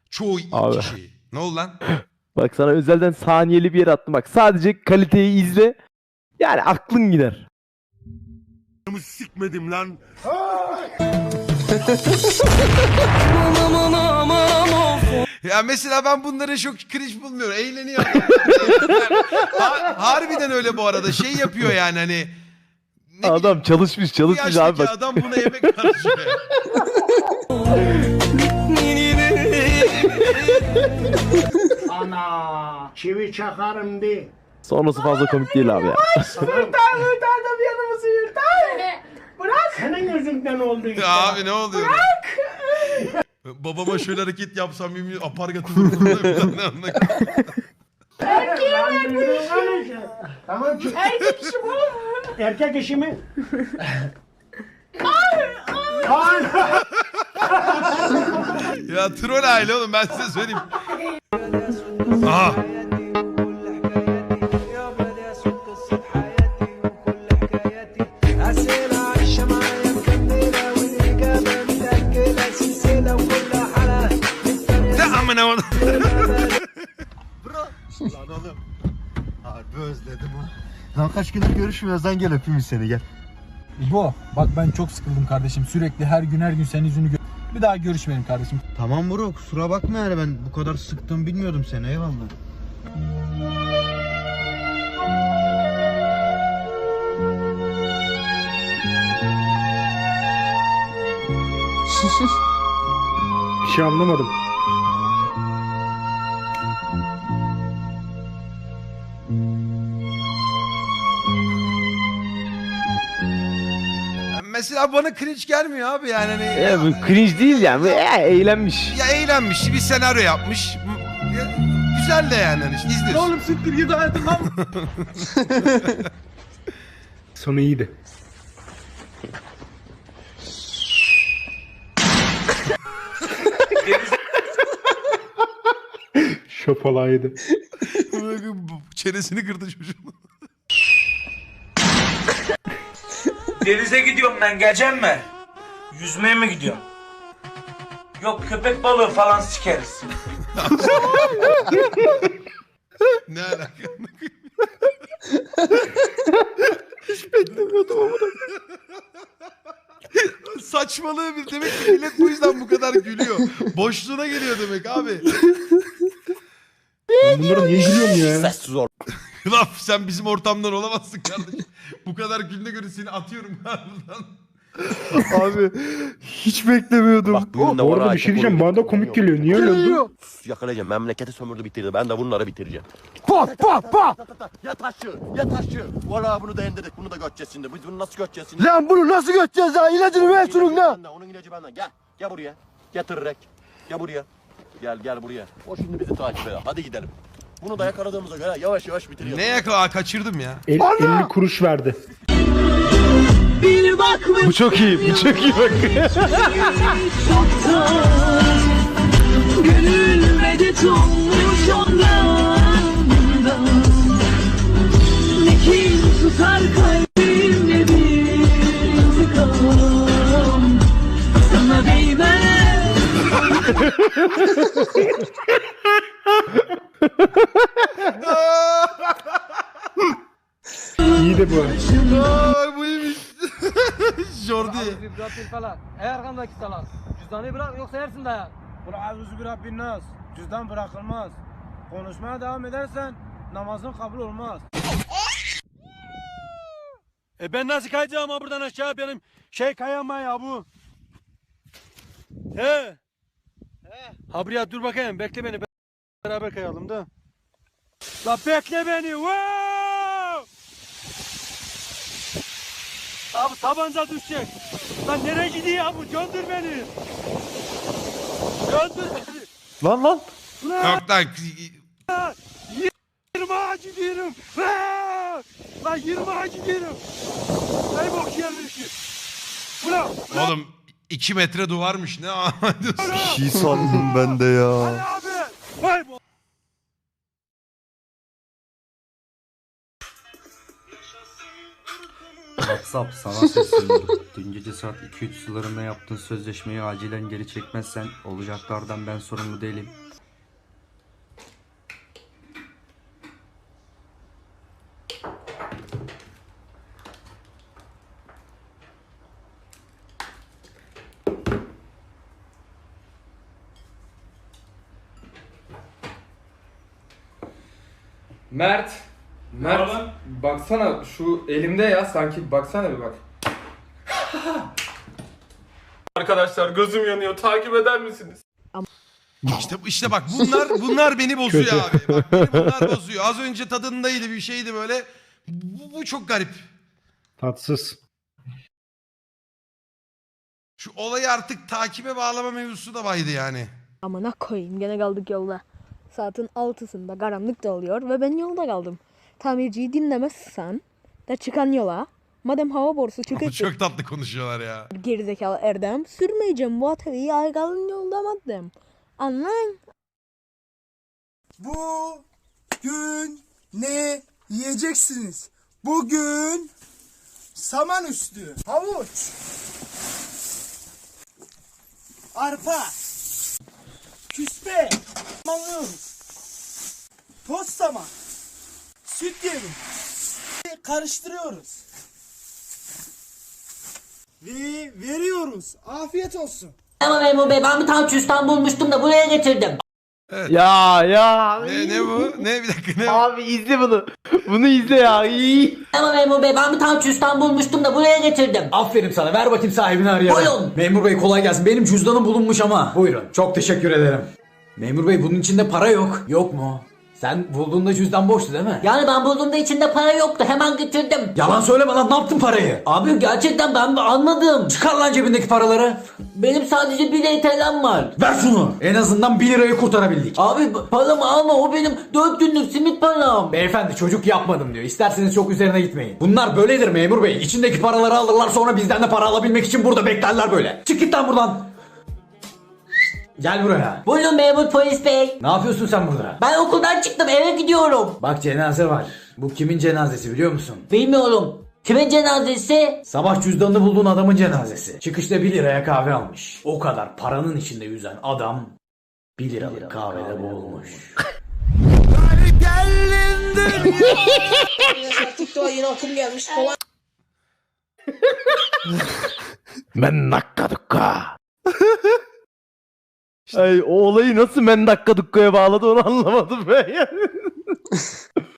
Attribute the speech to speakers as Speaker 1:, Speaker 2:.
Speaker 1: Çoğu
Speaker 2: Abi.
Speaker 1: kişi. Ne oldu lan?
Speaker 2: Bak sana özelden saniyeli bir yer attım. Bak sadece kaliteyi izle. Yani aklın gider.
Speaker 3: Sikmedim lan.
Speaker 1: Ya mesela ben bunları çok cringe bulmuyorum. Eğleniyor. Harbiden öyle bu arada. Şey yapıyor yani hani. Ne
Speaker 2: Adam
Speaker 1: bileyim,
Speaker 2: çalışmış
Speaker 1: bu
Speaker 2: çalışmış
Speaker 1: yaştaki
Speaker 2: abi bak.
Speaker 1: adam buna yemek harcıyor.
Speaker 4: Ana çivi çakarım de.
Speaker 2: Sonrası fazla komik değil abi ya.
Speaker 4: Hırtardım yanımızı hırtar. Bırak. Senin yüzünden oldu işte.
Speaker 1: Ya abi ne oluyor? Bırak. Babama şöyle hareket yapsam yemin apargatı vururdum.
Speaker 4: Tamam ki. Erkek işi bu. Erkek işi mi?
Speaker 1: Ya troll aile oğlum ben size söyleyeyim. Aha. Ne amına onu.
Speaker 3: Lan oğlum. Harbi özledim ha. Lan kaç gündür görüşmüyoruz lan, gel öpeyim seni gel.
Speaker 5: İbo bak ben çok sıkıldım kardeşim. Sürekli her gün senin yüzünü bir daha görüşmeyelim kardeşim.
Speaker 3: Tamam bro, kusura bakma yani, ben bu kadar sıktım bilmiyordum seni, eyvallah.
Speaker 6: Bir şey anlamadım.
Speaker 1: Mesela bana cringe gelmiyor abi yani hani.
Speaker 2: Bu cringe değil yani. Bu, eğlenmiş.
Speaker 1: Ya eğlenmiş, bir senaryo yapmış. Ya, güzel de yani hani işte izliyorsun.
Speaker 5: Oğlum siktir git hayatım lan.
Speaker 6: Sonu iyiydi. Şopalaydı.
Speaker 1: Çenesini kırdı çocuğun.
Speaker 7: Denize gidiyorum ben, geleceğim mi? Yüzmeye mi gidiyorum? Yok, köpek balığı falan sikeriz.
Speaker 1: Ne alaka?
Speaker 2: Hiç beklemiyordum ama.
Speaker 1: Saçmalığı bir demek ki millet bu yüzden bu kadar gülüyor. Boşluğuna geliyor demek abi.
Speaker 6: Ben bunlara niye gülüyorum ya?
Speaker 1: Lan sen bizim ortamdan olamazsın kardeşim. Bu kadar gülüne göre seni atıyorum buradan.
Speaker 2: Abi hiç beklemiyordum.
Speaker 8: Bak bugün de
Speaker 6: Bu
Speaker 8: var
Speaker 6: arada bir şey diyeceğim. Bana da komik geliyor. Niye öyle oldu?
Speaker 8: Yakalayacağım. Memleketi sömürdü bitirdi. Ben de bunları bitireceğim. Ya taşı, ya taşı. Valla bunu da indirdik. Bunu da göteceğiz şimdi. Biz bunu nasıl göteceğiz şimdi?
Speaker 3: Lan bunu nasıl göteceğiz ya? İlacını ver şunun lan.
Speaker 8: Onun ilacı benden. Gel. Gel buraya. Getirerek. Gel buraya. Gel buraya. O şimdi bizi takip eder. Hadi gidelim. Bunu da yakaladığımıza göre yavaş yavaş bitiriyoruz.
Speaker 1: Ne yakala kaçırdım ya.
Speaker 6: 50 kuruş verdi.
Speaker 2: Bu çok iyi. Bu çok iyi bak.
Speaker 9: Gönül medet olmuş ondan. Ne kin tutar kalbimde bir intikam. Sana değmez.
Speaker 6: İyi de bu.
Speaker 1: Ay bu iyiymiş. Jordi.
Speaker 5: Ey arkamdaki salak. Cüzdanı bırak yoksa yersin dayak. Kul a'udhu bi rabbin nas. Cüzdan bırakılmaz. Konuşmaya devam edersen namazın kabul olmaz. Ben nasıl kayacağım ha buradan aşağı, benim kayama ya bu. He. Ha buraya dur bakayım, bekle beni, beraber kayalım da. La bekle beni. Wow! Abi tabanca düşecek. Lan nereye gidiyor ya bu? Göndür beni. Göndür beni.
Speaker 2: Lan.
Speaker 1: Yok lan.
Speaker 5: 20'a gidiyorum. Lan 20'a gidiyorum. Ay bok yerleşi. Ulan.
Speaker 1: Oğlum 2 metre duvarmış ne diyorsun?
Speaker 3: Şey sandım ben de ya.
Speaker 5: Hadi abi. Vay bu.
Speaker 10: WhatsApp sana sesleniyorum. Dün gece saat 2-3 sularında yaptığın sözleşmeyi acilen geri çekmezsen olacaklardan ben sorumlu değilim.
Speaker 11: Mert. Baksana şu elimde ya sanki baksana bir bak. Arkadaşlar gözüm yanıyor. Takip eder misiniz?
Speaker 1: İşte bak bunlar beni bozuyor abi. Bak beni bunlar bozuyor. Az önce tadındaydı bir şeydi böyle. Bu çok garip.
Speaker 6: Tatsız.
Speaker 1: Şu olayı artık takibe bağlama mevzusu da baydı yani.
Speaker 12: Amına koyayım gene kaldık yolda. Saatin 6'sında karanlık da oluyor ve ben yolda kaldım. Tamirciyi dinlemezsen de çıkan yola. Madem hava borusu çıkıp
Speaker 1: Çok tatlı konuşuyorlar ya.
Speaker 12: gerizekalı Erdem sürmeyeceğim bu atölyeyi aygalın yolda madem. Anlayın.
Speaker 5: Bugün ne yiyeceksiniz? Bugün saman üstü, havuç, arpa, küspe, alıyoruz. Toz saman, süt yemi, karıştırıyoruz. Ve veriyoruz. Afiyet olsun.
Speaker 9: Ama memur bey ben bir tane cüzdan bulmuştum da buraya getirdim.
Speaker 2: Ya.
Speaker 1: Ne bu? Ne bir dakika ne?
Speaker 2: Abi izle bunu. Bunu izle ya.
Speaker 9: Ama memur bey ben bir tane cüzdan bulmuştum da buraya getirdim.
Speaker 5: Aferin sana. Ver bakayım sahibini arayalım.
Speaker 9: Buyurun.
Speaker 5: Memur bey kolay gelsin. Benim cüzdanım bulunmuş ama. Buyurun. Çok teşekkür ederim. Memur bey bunun içinde para yok. Yok mu? Sen bulduğunda cüzdan boştu değil mi?
Speaker 9: Yani ben bulduğumda içinde para yoktu hemen getirdim.
Speaker 5: Yalan söyleme lan, ne yaptın parayı?
Speaker 9: Abi gerçekten ben almadım.
Speaker 5: Çıkar lan cebindeki paraları.
Speaker 9: Benim sadece 1 TL'm var.
Speaker 5: Ver şunu. En azından 1 lirayı kurtarabildik.
Speaker 9: Abi paramı alma o benim 4 günlük simit param.
Speaker 5: Beyefendi çocuk yapmadım diyor. İsterseniz çok üzerine gitmeyin. Bunlar böyledir memur bey. İçindeki paraları alırlar sonra bizden de para alabilmek için burada beklerler böyle. Çık git lan buradan. Gel buraya.
Speaker 9: Buyurun memur polis bey.
Speaker 5: Ne yapıyorsun sen burada?
Speaker 9: Ben okuldan çıktım eve gidiyorum.
Speaker 5: Bak cenaze var. Bu kimin cenazesi biliyor musun?
Speaker 9: Bilmiyorum. Kimin cenazesi?
Speaker 5: Sabah cüzdanını bulduğun adamın cenazesi. Çıkışta 1 liraya kahve almış. O kadar paranın içinde yüzen adam 1 liralık kahvede boğulmuş.
Speaker 9: TikTok'a yeni akım gelmiş.
Speaker 2: Men dakika dukka. Ay o olayı nasıl men dakika dukkaya bağladı onu anlamadım ben yani.